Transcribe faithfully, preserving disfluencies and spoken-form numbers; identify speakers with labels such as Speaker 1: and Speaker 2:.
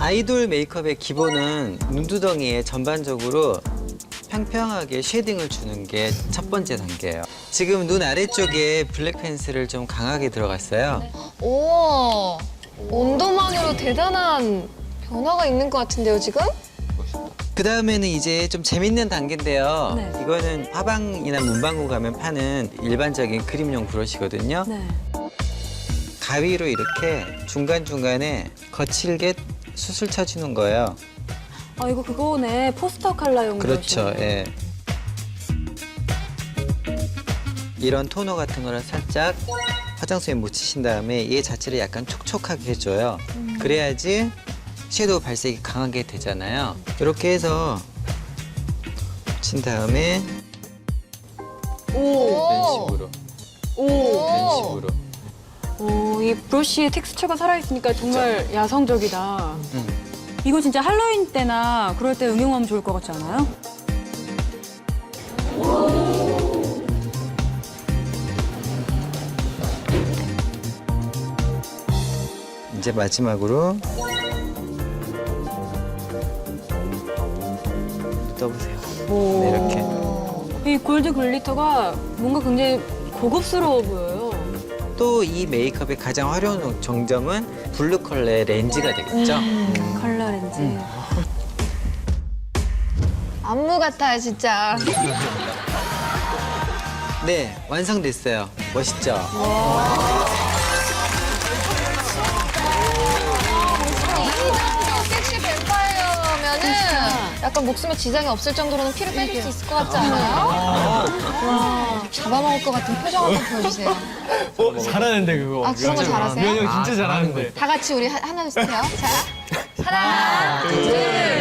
Speaker 1: 아이돌 메이크업의 기본은 눈두덩이에 전반적으로 평평하게 쉐딩을 주는 게 첫 번째 단계예요. 지금 눈 아래쪽에 블랙 펜슬을 좀 강하게 들어갔어요.
Speaker 2: 오, 온도만으로 대단한 변화가 있는 것 같은데요, 지금?
Speaker 1: 그 다음에는 이제 좀 재밌는 단계인데요.
Speaker 3: 네.
Speaker 1: 이거는 화방이나 문방구 가면 파는 일반적인 크림용 브러쉬거든요.
Speaker 3: 네.
Speaker 1: 가위로 이렇게 중간중간에 거칠게 수술 쳐주는 거예요.
Speaker 3: 아, 이거 그거네. 포스터 컬러용
Speaker 1: 그렇죠.
Speaker 3: 브러쉬네.
Speaker 1: 예. 이런 토너 같은 거를 살짝 화장솜에 묻히신 다음에 얘 자체를 약간 촉촉하게 해줘요.
Speaker 3: 음.
Speaker 1: 그래야지 섀도우 발색이 강하게 되잖아요. 이렇게 해서 묻힌 다음에
Speaker 3: 오,
Speaker 1: 이런 식으로,
Speaker 3: 오.
Speaker 1: 이런 식으로.
Speaker 3: 오, 이 브러쉬의 텍스처가 살아있으니까 정말 야성적이다.
Speaker 1: 음.
Speaker 3: 이거 진짜 할로윈 때나 그럴 때 응용하면 좋을 것 같지 않아요?
Speaker 1: 이제 마지막으로 떠보세요.
Speaker 3: 오.
Speaker 1: 네, 이렇게.
Speaker 3: 이 골드 글리터가 뭔가 굉장히 고급스러워 보여요.
Speaker 1: 또 이 메이크업의 가장 화려한 정점은 블루 컬러의 렌즈가 되겠죠. 음.
Speaker 3: 컬러 렌즈.
Speaker 1: 음.
Speaker 2: 안무 같아요, 진짜.
Speaker 1: 네, 완성됐어요. 멋있죠?
Speaker 2: 섹시 뱀파이어면은 약간 목숨에 지장이 없을 정도로는 피를 빼줄 수 있을 것 같지 않아요? 와, 잡아먹을 것 같은 표정 한번 보여주세요.
Speaker 4: 어, 잘하는데 그거.
Speaker 2: 아, 그런 거 잘하세요?
Speaker 4: 미연이 형 진짜 잘하는데.
Speaker 2: 다 같이 우리 하- 하나, 둘, 셋요. 자, 하나, 둘,